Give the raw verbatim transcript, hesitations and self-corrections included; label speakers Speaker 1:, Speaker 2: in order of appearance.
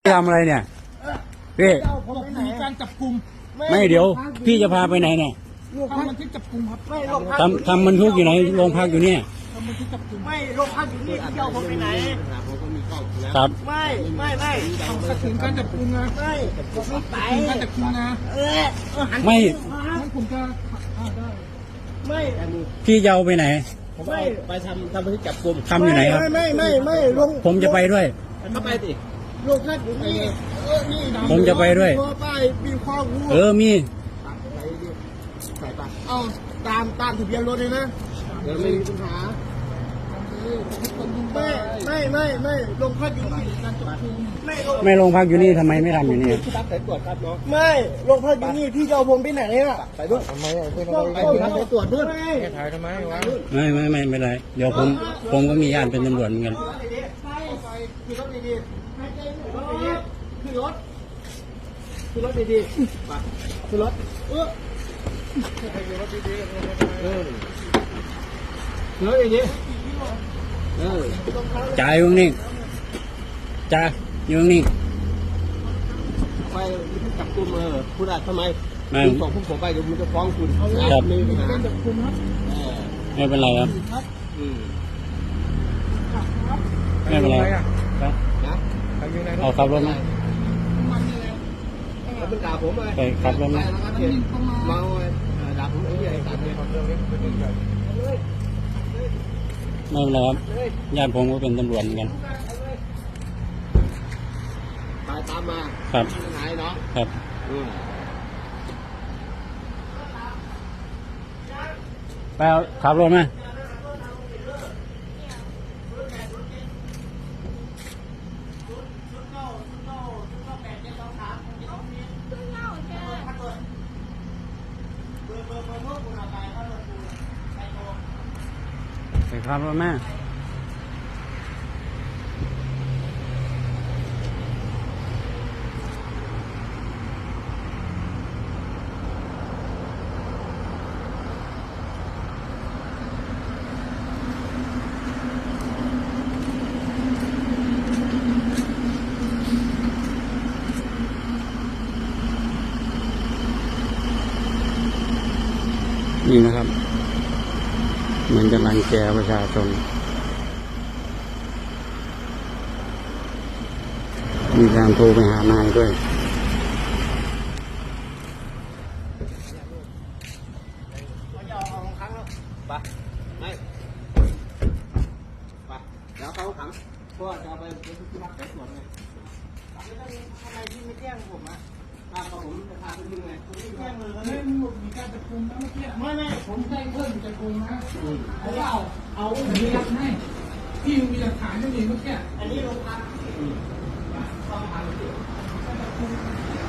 Speaker 1: ทำอะไรเนี่ยพี่
Speaker 2: มีการจับกลุ่ม
Speaker 1: ไม่เดี๋ยวพี่จะพาไปไหนเนี่ย
Speaker 2: ทำบันทึกจับกลุ่มครับไม่โรงพัก
Speaker 1: ทำทำบันทึกอยู่ไหนโรงพักอยู่เนี่ย
Speaker 2: ทำบันทึกจับกลุ่มไม่โรงพักอยู่นี่ที่เอาผมไปไหน
Speaker 1: ครับ
Speaker 2: ไม่ไม่ไม่ขัดขืนการจับกลุ่มนะไม่ผมไม่ไปการจับกลุ่มนะเออ
Speaker 1: ไม่
Speaker 2: งั้นผมจะได้ไม่
Speaker 1: พี่จะเอาไปไหน
Speaker 3: ผมไปไปทำทำบันทึกจับกลุ่ม
Speaker 1: ทำอยู่ไหนครับ
Speaker 2: ไม่ไม่ไม่ไม่ลง
Speaker 1: ผมจะไปด้วย
Speaker 3: เข้าไปสิ
Speaker 2: โรงพักอยู่นี่เออนี่
Speaker 1: ผมจะไปด้วย
Speaker 2: ป้ายมีข้อมูล
Speaker 1: เออมี
Speaker 2: ใส่ปากเอาตามตามทะเบียนรถเลยนะ
Speaker 3: เดี๋ยวไม่มีปัญหา
Speaker 2: ไม่ไม่ไม่ไม่ลงพักอยู่นี่ไม่
Speaker 1: ไม่ลงพักอยู่นี่ทำไมไม่ทำอยู่นี่
Speaker 3: ที่รับสายตรวจครับน้อง
Speaker 2: ไม่ลงพักอยู่นี่พี่จะเอาผมไปไหนเนี่ย
Speaker 3: ไปด้วยทำไมไปทำไมไปรับสายตรวจด้วยถ่ายทำไมวะ
Speaker 1: ไม่ไม่ไม่ไม่ไรเดี๋ยวผมผมก็มีญาติเป็นตำรวจเหมือนกัน
Speaker 2: คือรถดีๆคือรถคือรถดีๆคือรถเออคือรถดีๆเออคือรถดีๆเออ
Speaker 1: จ่ายอยู่นี่จ่ายอยู่นี่
Speaker 3: ไปจับกลุ่มเออคุณอาจทำไม
Speaker 1: คุณ
Speaker 3: ส่งผู้ผมไปเดี๋ยวมันจะฟ้องคุณ
Speaker 1: ครับ
Speaker 3: มีปัญหา
Speaker 1: ไม่เป็นไรครับไม่เป็นไรครับเอาขับรถมา
Speaker 3: แล้วเป็นด่าผมเลย
Speaker 1: ไปขับรถมา
Speaker 3: เมาด่าผมไอ้ใหญ่ตัดเลย
Speaker 1: ไม่เป็นไรครับญาติผมก็เป็นตำรวจเหมือนกัน
Speaker 3: ตายตามมา
Speaker 1: ครับ
Speaker 3: หายเนาะ
Speaker 1: ครับไปเอาขับรถมาไปขับรถมานี่นะครับเหมือนจะรังแกประชาชนมีการโทรไปหานายด้วย
Speaker 3: ไปไม่ไปเดี๋ยวเขาขังเพราะว่าจะเอาไปที่พักสายตรวจไง
Speaker 2: ทำไมพี่ไม่แจ้งผมอ่ะ
Speaker 3: พาผมจะพาคุณยังไงคุณไม่แจ้งเลย
Speaker 2: ไม่มีการจับกุมนะเมื่อกี้ไม่ไม่ผมแจ้งเพิ่มจับกุมนะเพราะว่าเอาเอามีหลักฐานพี่มีหลักฐานไม่มีเมื่อกี้อันนี้โรงพักต้องทำ